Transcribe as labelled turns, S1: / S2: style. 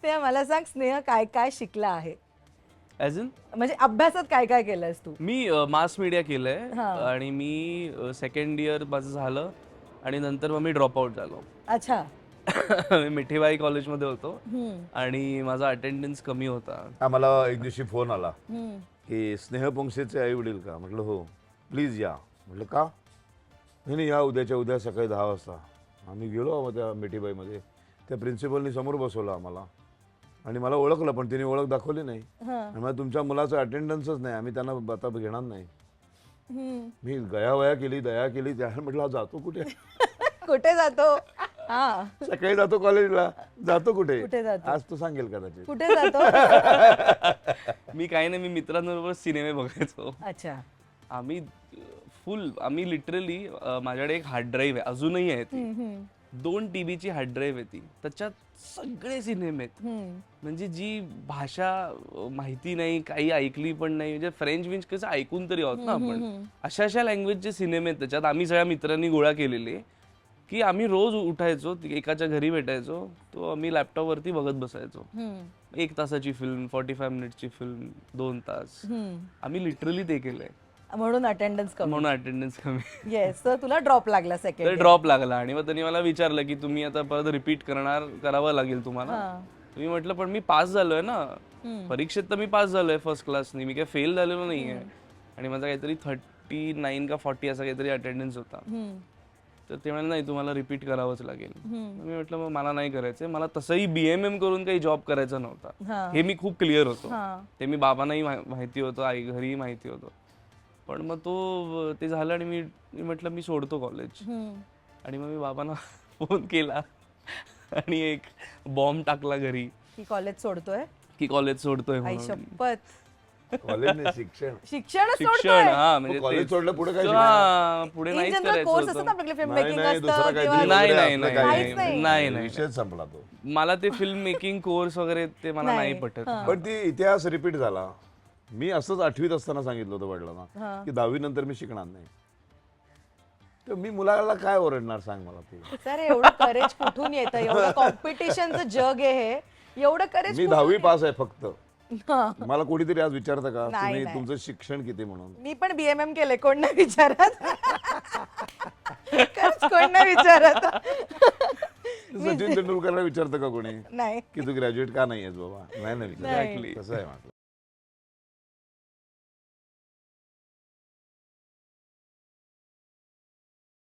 S1: स्नेहा मला सांग, स्नेहा काय काय शिकला आहे?
S2: ॲज इन
S1: म्हणजे अभ्यासात काय काय केलंस तू?
S2: मी मास मीडिया केलंय
S1: हा.
S2: आणि मी सेकंड इयर माझं झालं आणि नंतर मग मी ड्रॉपआउट झालो.
S1: अच्छा.
S2: मी मिठीबाई कॉलेजमध्ये होतो
S1: हम्म.
S2: आणि माझा अटेंडन्स कमी होता.
S3: आम्हाला एक दिवशी फोन आला
S1: हम्म.
S3: की स्नेह पोंक्षेचे आई वडील का? म्हटलं हो. प्लीज या. म्हटलं का? नाही या उद्याच्या उद्या सकाळी 10 वाजता. आम्ही गेलो त्या मिठीबाईमध्ये. त्या प्रिन्सिपलनी समोर बसवलं आम्हाला आणि मला ओळखलं, पण तिने ओळख दाखवली नाही. आणि मग तुमच्या मुलाचं अटेंडन्सच नाही, आम्ही त्यांना आता घेणार नाही. मी गयावया केली, दया केली. त्या म्हटलं जातो कुठे?
S1: कुठे जातो? हा.
S3: सकाळी जातो कॉलेजला. जातो कुठे?
S1: कुठे जातो?
S3: आज तो सांगेल कदाचित.
S1: कुठे जातो?
S2: मी काही नाही, मी मित्रांबरोबर सिनेमे बघायचो.
S1: अच्छा.
S2: आम्ही लिटरली माझ्याकडे एक हार्ड ड्राईव्ह आहे, अजूनही आहे ती. 2 TB ची हार्ड ड्राईव्ह आहे ती. त्याच्यात सगळे सिनेमे आहेत. म्हणजे जी भाषा माहिती नाही, काही ऐकली पण नाही, म्हणजे फ्रेंच विंच कसं ऐकून तरी आहोत ना आपण, अशा लँग्वेजचे सिनेमे आहेत त्याच्यात. आम्ही सगळ्या मित्रांनी गोळा केलेले की आम्ही रोज उठायचो, एकाच्या घरी भेटायचो, तो आम्ही लॅपटॉपवरती बघत बसायचो. 1 तासाची फिल्म, 45 मिनिटची फिल्म, 2 तास. आम्ही लिटरली ते केलंय.
S1: म्हणून अटेंडन्स कमी.
S2: म्हणून अटेंडन्स कमी.
S1: येस. तर तुला ड्रॉप लागला
S2: तर
S1: सेकंड.
S2: ड्रॉप लागला आणि मग त्यांनी मला विचारलं की तुम्ही आता परत रिपीट करावं लागेल तुम्हाला. मी म्हटलं पण मी पास झालोय ना, परीक्षेत तर मी पास झालोय फर्स्ट क्लासनी, मी काय फेल झालेलो नाहीये. आणि माझा काहीतरी 39 का 40 असा काहीतरी अटेंडन्स होता. तर ते म्हणाले नाही तुम्हाला रिपीट करावंच लागेल. मी म्हटलं मग मला नाही करायचंय, मला तसंही BMM करून काही जॉब करायचा नव्हता, हे मी खूप क्लिअर होतो. ते मी बाबांनाही माहिती होतं, आई घरीही माहिती होतं. पण मग ते झालं आणि मी म्हटलं मी सोडतो कॉलेज. आणि मग मी बाबांना फोन केला आणि एक बॉम्ब टाकला घरी
S1: की कॉलेज सोडतोय.
S2: की कॉलेज सोडतोय
S1: आई
S2: म्हणून.
S1: शपथ.
S3: कॉलेज नाही, शिक्षण.
S1: शिक्षण
S2: शिक्षण. हा म्हणजे
S3: कॉलेज सोडलं पुढे काय?
S2: पुढे
S1: इन
S2: नाहीच
S1: जनरल
S2: करायचं
S1: कोर्स असतात
S2: होतं.
S1: ना आपल्याकडे, फिल्म
S3: नाही,
S1: मेकिंग
S3: नाही, दुसरा
S1: असतं
S3: काहीतरी
S1: किंवा
S2: नाही,
S3: वगैरे
S2: नाही,
S3: आपलं
S2: नाही,
S3: काही
S2: नाही.
S3: विषयच संपला तो.
S2: मला ते फिल्म मेकिंग कोर्स वगैरे ते मला नाही पटत.
S3: पण ती इतिहास रिपीट झाला. मी असंच 8वीत असताना सांगितलं होतं वडिलांना की 10वी नंतर मी शिकणार नाही. तर मी मुलाला काय ओरडणार सांग मला तू.
S1: सर एवढं करेज कुठून येतं? एवढं कॉम्पिटिशनचं जग आहे हे. एवढं करेज
S3: मी 10वी पास आहे फक्त.
S1: हा.
S3: मला कोणीतरी आज विचारतं का
S1: नाही,
S3: तुम्ही
S1: नाही.
S3: तुमचं शिक्षण किती म्हणून?
S1: मी पण BMM केले, कोण नाही विचारत. खरंच कोण नाही विचारत.
S3: सचिन तेंडुलकरला विचारतं का कोणी
S1: नाही.
S3: की तू ग्रॅज्युएट का नाही आहेस बाबा? नाही विचार.
S2: Exactly.
S3: तसं आहे माझं.